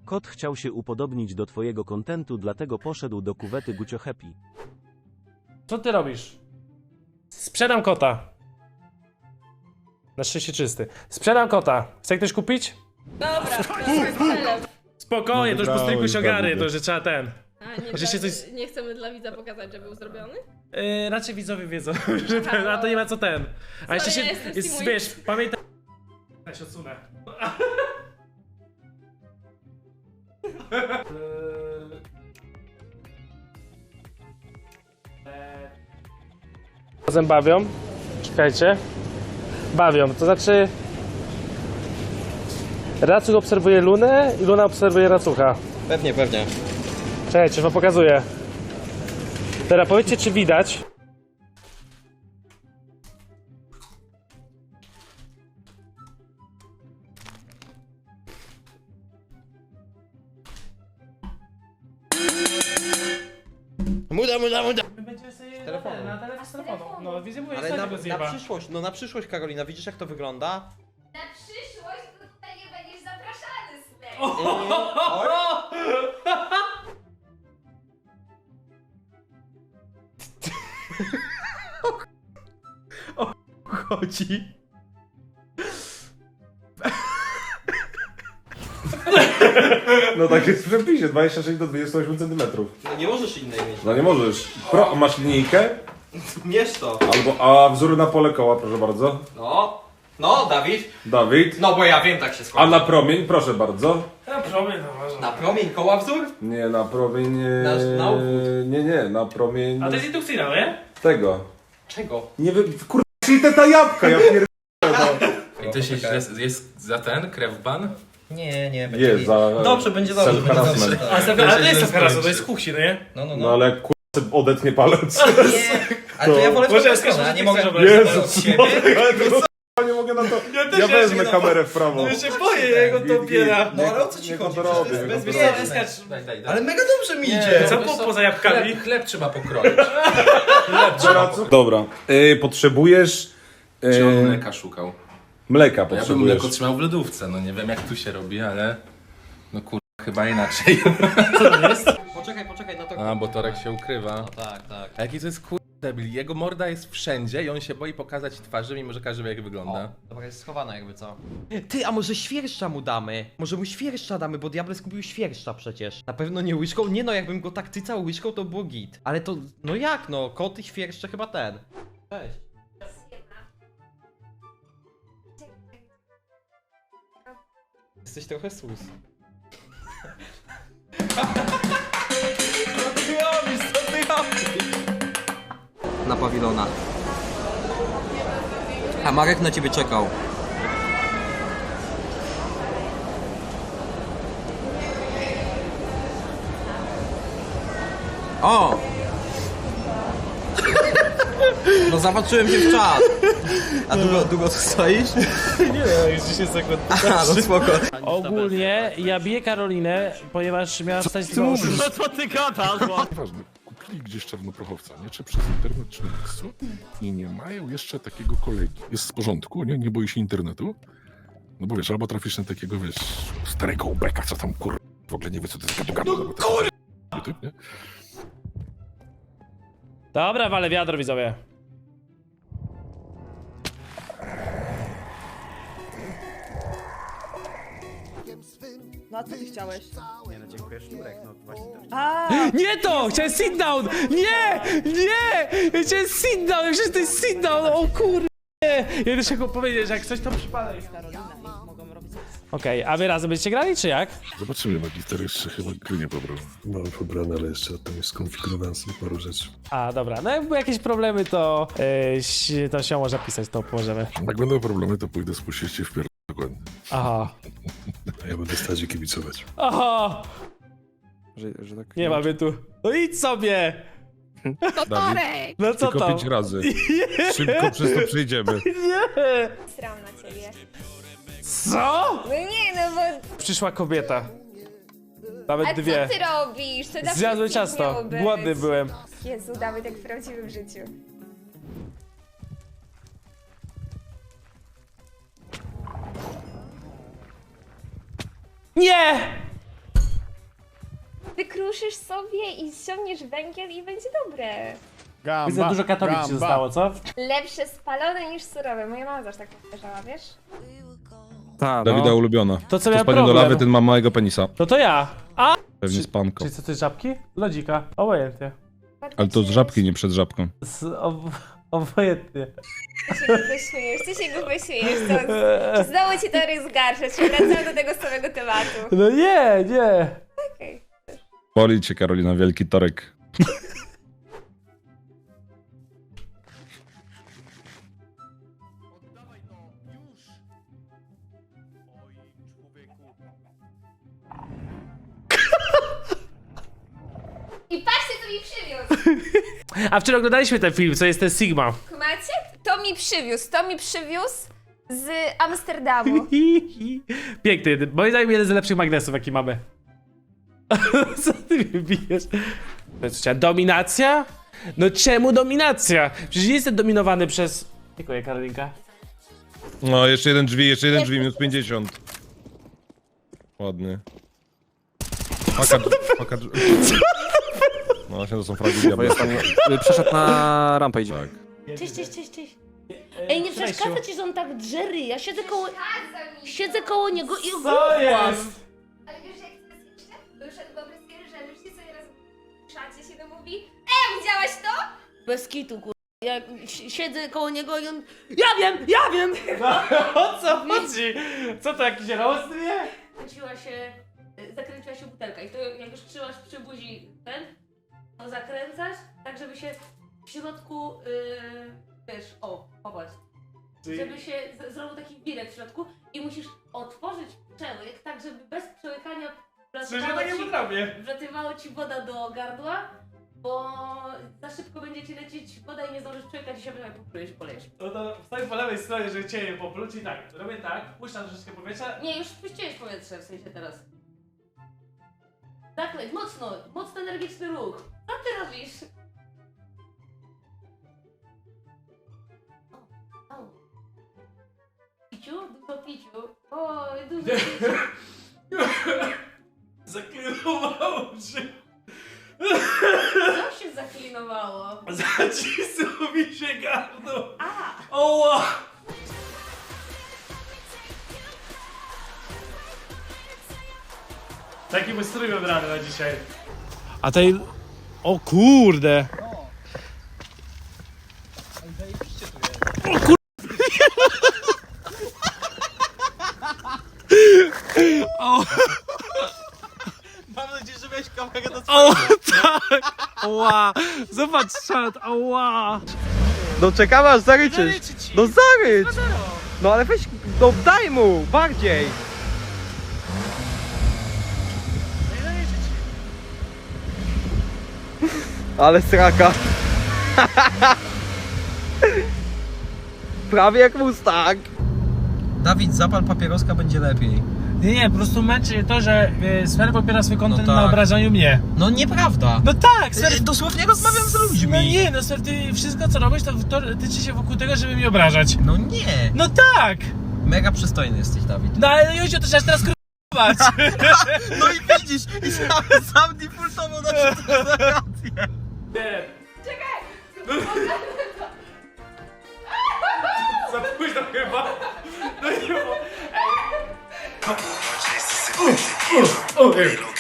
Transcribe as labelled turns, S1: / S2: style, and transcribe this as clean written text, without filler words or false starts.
S1: Kot chciał się upodobnić do twojego kontentu, dlatego poszedł do kuwety Gucio Happy.
S2: Co ty robisz? Sprzedam kota. Na szczęście czysty. Sprzedam kota. Chce ktoś kupić?
S3: Dobra,
S2: Spokojnie,
S4: No
S2: to już po stryku się ogarnie,
S4: wygrałeś,
S2: to że trzeba ten.
S3: A nie,
S2: Może się
S3: dla,
S2: coś-
S3: nie chcemy dla widza pokazać, że był zrobiony?
S2: Raczej widzowie wiedzą, że ten, a to nie ma co ten. A jeszcze się,
S3: ja jestem
S2: jest,
S3: Steamuj.
S2: wiesz, pamiętaj... Ja się odsunę. Razem bawią. Czekajcie. Bawią, to znaczy... Racuch obserwuje Lunę i Luna obserwuje Racucha.
S5: Pewnie, pewnie.
S2: Czekajcie, wam pokazuję. Teraz powiedzcie, czy widać.
S5: Muda.
S2: Będzie sobie
S5: Telefonu.
S2: na telefonu. No, widzę, mówię,
S5: Ale
S2: co
S5: na
S2: tego zjeba.
S5: przyszłość, no na przyszłość, Karolina, widzisz jak to wygląda?
S6: Na przyszłość to tutaj nie będziesz zapraszany, Slay.
S5: Chodzi.
S4: No tak jest w przepisie, 26 do 28 cm.
S5: No nie możesz innej mieć.
S4: No nie możesz. Masz linijkę?
S5: Mierz to.
S4: A wzór na pole koła, proszę bardzo.
S5: No, Dawid.
S4: Dawid.
S5: No bo ja wiem, tak się
S4: A
S5: składa.
S4: na promień, proszę bardzo.
S2: Ja promień to ważne.
S5: Na promień koła wzór?
S4: Nie, na promień...
S5: Na obwód.
S4: Nie, na promień...
S2: A to jest indukcyjna, nie?
S4: Tego.
S5: Czego?
S4: Nie wiem, kurwa, czyli te jabłka, ja pierdolę.
S7: I to się źle, jest za ten krewban?
S5: Nie, będzie
S4: Jest,
S5: git.
S4: za...
S5: Dobrze, będzie dobrze. Będzie
S4: self-harassment.
S5: dobrze.
S2: Ale to jest to teraz, to jest kuchni, no nie?
S4: No ale jak kurwa odetnie palec.
S5: Nie, ale to ja wolę w
S2: Może
S5: tą
S2: ja
S5: stronę,
S2: skończę,
S5: a nie
S2: że
S5: mogę
S2: ty chcesz
S5: od
S4: Jezus,
S5: siebie.
S4: ale to nie mogę na to... Ja wezmę kamerę w prawo.
S2: Ja się boję jego to opiera.
S5: No ale o co ci
S4: Niech
S5: chodzi?
S4: on to robi,
S5: Przecież to
S4: niech
S5: jest
S4: on to robi.
S5: bezpieczne.
S7: Daj.
S5: Ale mega dobrze mi
S7: Nie,
S5: idzie.
S2: Co
S7: wiesz
S2: poza jabłkami?
S7: Chleb trzeba pokroić. Chleb trzeba pokroić.
S4: Dobra, potrzebujesz...
S7: Czy on mleka szukał?
S4: Mleka
S7: Ja bym
S4: potrzebujesz.
S7: mleko trzymał w lodówce, no nie wiem jak tu się robi, ale... No kurwa, chyba inaczej.
S5: Poczekaj na to.
S7: A, bo Torek się ukrywa.
S5: Tak.
S7: A jaki to jest kurwa debil? Jego morda jest wszędzie i on się boi pokazać twarzy, mimo że każdy wie jak wygląda.
S5: Dobra, jest schowana jakby co. Ty, a może świerszcza mu damy? Może mu świerszcza damy, bo Diables kupił świerszcza przecież. Na pewno nie łyżką? Nie no, jakbym go tak tycał łyżką, to było git. Ale to, no jak no, kot i świerszcze chyba ten. Cześć. Jesteś trochę sus. Co ty robisz? Na pawilona. A Marek na ciebie czekał. O! No zobaczyłem się w czat. A długo tu stoisz?
S2: Nie no, już 10 sekund.
S5: Aha, no spoko.
S2: Ogólnie ja biję Karolinę, ponieważ miała wstać z domu.
S8: Ważne, kupili gdzieś czarnoprochowca, nie? Czy przez internet, czy na miejscu i nie mają jeszcze takiego kolegi. Jest w porządku, nie boi się internetu? No bo wiesz, albo trafisz na takiego, wiesz, starego ubeka, co tam w ogóle nie wie, co to jest gadu-gadu. No YouTube, nie?
S2: Dobra, wale wiadro, widzowie.
S9: No a co ty chciałeś?
S5: Nie no, dziękuję, Szturek, no właśnie to
S9: A,
S2: Nie to! Chciałem sit down! Nie! Chciałem sit down! Przecież to jest sit down! O kurde! Ja też chciałem powiedzieć, że jak coś to przypada.
S9: Karolina i mogą robić
S2: Okej, a wy razem będziecie grali, czy jak?
S8: Zobaczymy, magister jeszcze chyba gry nie pobrał.
S10: Mam pobrane, ale jeszcze tam jest skonfigurowałem sobie paru rzeczy.
S2: A, dobra, no jakby jakieś problemy, to to się może pisać, to pomożemy.
S8: Jak będą problemy, to pójdę spuścić cię w pier... dokładnie.
S2: Aha.
S10: A ja będę stać i kibicować.
S2: Aha!
S10: Że tak
S2: Nie mamy tu. No idź sobie!
S6: Torek!
S2: No co to?
S10: razy. Szybko przez to przejdziemy.
S2: Nie!
S6: Sram na ciebie.
S2: Co?
S6: No nie, no bo...
S2: Przyszła kobieta. Nawet
S6: A
S2: dwie.
S6: co ty robisz? To dla
S2: Zjadłem
S6: wszystkich
S2: ciasto.
S6: miało być.
S2: Głodny byłem.
S6: Jezu, Dawid, jak w prawdziwym życiu.
S2: Nie!
S6: skruszysz sobie i ściągniesz węgiel i będzie dobre.
S2: Widzę, dużo Katowic się zostało, co?
S6: Lepsze spalone niż surowe. Moja mama zawsze tak powtarzała, wiesz?
S4: Dawida ulubiona.
S2: To co
S4: To
S2: miał
S4: spadnie do lawy,
S2: problem?
S4: ten ma małego penisa.
S2: To ja. A!
S4: Pewnie z panką.
S2: Czyli co, to jest żabki? Lodzika. Obojętnie.
S4: Ale to z żabki, nie przed żabką.
S2: Obojętnie.
S6: Ty się głupio śmiejesz, ty się głupio śmiejesz. To, znowu ci to rozgarsza, czy wracamy do tego samego tematu.
S2: No nie, nie.
S6: Okej.
S4: Boli cię, Karolina, wielki torek.
S6: I patrzcie, co mi przywiózł.
S2: A wczoraj oglądaliśmy ten film, co jest ten Sigma.
S6: Kumacie? To mi przywiózł z Amsterdamu.
S2: Piękny, moim zdaniem jeden z lepszych magnesów, jaki mamy. Co ty mnie bijesz? To jest dominacja? No czemu dominacja? Przecież nie jestem dominowany przez... Dziękuję, Karolinka.
S4: No, jeszcze jeden drzwi, minus 50. Ładny. Paka drzwi. No właśnie, to są fragi diabła.
S11: Przeszedł na rampę, idzie.
S4: Tak.
S3: Cześć. Ej, nie przeszkadza ci, że on tak drzery. Ja siedzę koło niego i
S2: Co jest?
S6: Ale wiesz, jak to jest jeszcze? To już wyobraź sobie, że już sobie raz w szacie się to mówi. Widziałaś to?
S3: bez kitu, kur... Ja siedzę koło niego i on... Ja wiem!
S2: O co chodzi? Co to, jakiś roast, nie?
S3: Zakręciła się butelka i to jak już trzymasz przy buzi ten, to zakręcasz, tak żeby się w środku, wiesz, popatrz, żeby się zrobił taki wirek w środku i musisz otworzyć przełyk, tak żeby bez przełykania wlatywało ci woda do gardła, bo za szybko będzie ci lecieć woda i nie zdążysz przełykać i się polejesz.
S2: No to stoi po lewej stronie, że cię je popluć i tak, robię tak, puszczam troszeczkę powietrza.
S3: Nie, już puściłeś powietrze, w sensie teraz. Zakleć, mocno energiczny ruch. Co ty robisz? Piciu? Dużo piciu. Oj, dużo piciu.
S2: Zaklinowało się.
S3: Co się zaklinowało?
S2: Zacisnął mi się gardło.
S3: A!
S2: Oła! Taki mój strój wybrany na dzisiaj. A tej... O kurde! O kur... O...
S5: Mam nadzieję, że miałeś kamerę do
S2: O tak! Oła! Zobacz czat, oła!
S5: No czekam aż zaryczysz. No zarycz! No ale weź, no daj mu, bardziej! Ale sraka. Prawie jak Mustang. Dawid, zapal papieroska, będzie lepiej.
S2: Nie, po prostu męczy mnie to, że Sfer opiera swój kontent
S5: No tak.
S2: na obrażaniu mnie.
S5: No nieprawda.
S2: No tak, Sfer...
S5: Dosłownie rozmawiam z ludźmi.
S2: No nie, no Sfer, ty wszystko co robisz, to tyczy się wokół tego, żeby mnie obrażać.
S5: No nie.
S2: No tak!
S5: Mega przystojny jesteś, Dawid.
S2: No ale Józio, to trzeba teraz k***ować.
S5: No i widzisz, i sam defaultowo na rację.
S2: Nie. Czekaj! Za późno chyba. No nie, bo... Ej.